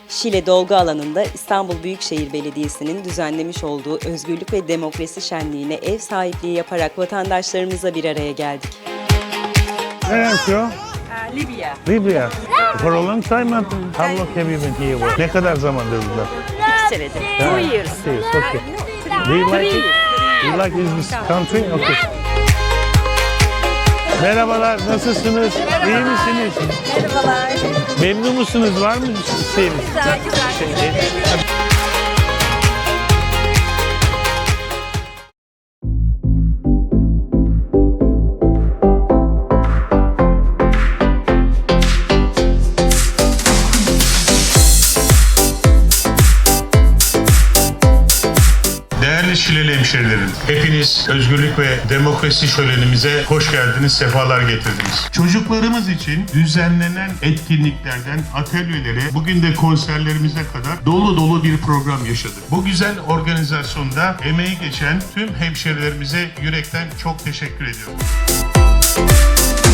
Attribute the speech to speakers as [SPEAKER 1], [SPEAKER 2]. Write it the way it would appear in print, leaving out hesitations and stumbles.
[SPEAKER 1] Şile Dolgu Alanı'nda İstanbul Büyükşehir Belediyesi'nin düzenlemiş olduğu Özgürlük ve Demokrasi Şenliği'ne ev sahipliği yaparak vatandaşlarımızla bir araya geldik.
[SPEAKER 2] Where are you?
[SPEAKER 3] Libya.
[SPEAKER 2] Libya. For a long time, how long have you been here? Ne kadar zamandır burada?
[SPEAKER 3] 2 senedir. 2 years.
[SPEAKER 2] Okay. Do you like it? Do you like this country? Okay. Merhabalar, nasılsınız? İyi misiniz?
[SPEAKER 3] Merhabalar.
[SPEAKER 2] Memnun musunuz? Var mı şeyiniz?
[SPEAKER 3] Güzel.
[SPEAKER 4] Değerli Şileli hemşerilerim, hepiniz özgürlük ve demokrasi şölenimize hoş geldiniz, sefalar getirdiniz. Çocuklarımız için düzenlenen etkinliklerden atölyelere, bugün de konserlerimize kadar dolu dolu bir program yaşadık. Bu güzel organizasyonda emeği geçen tüm hemşerilerimize yürekten çok teşekkür ediyorum.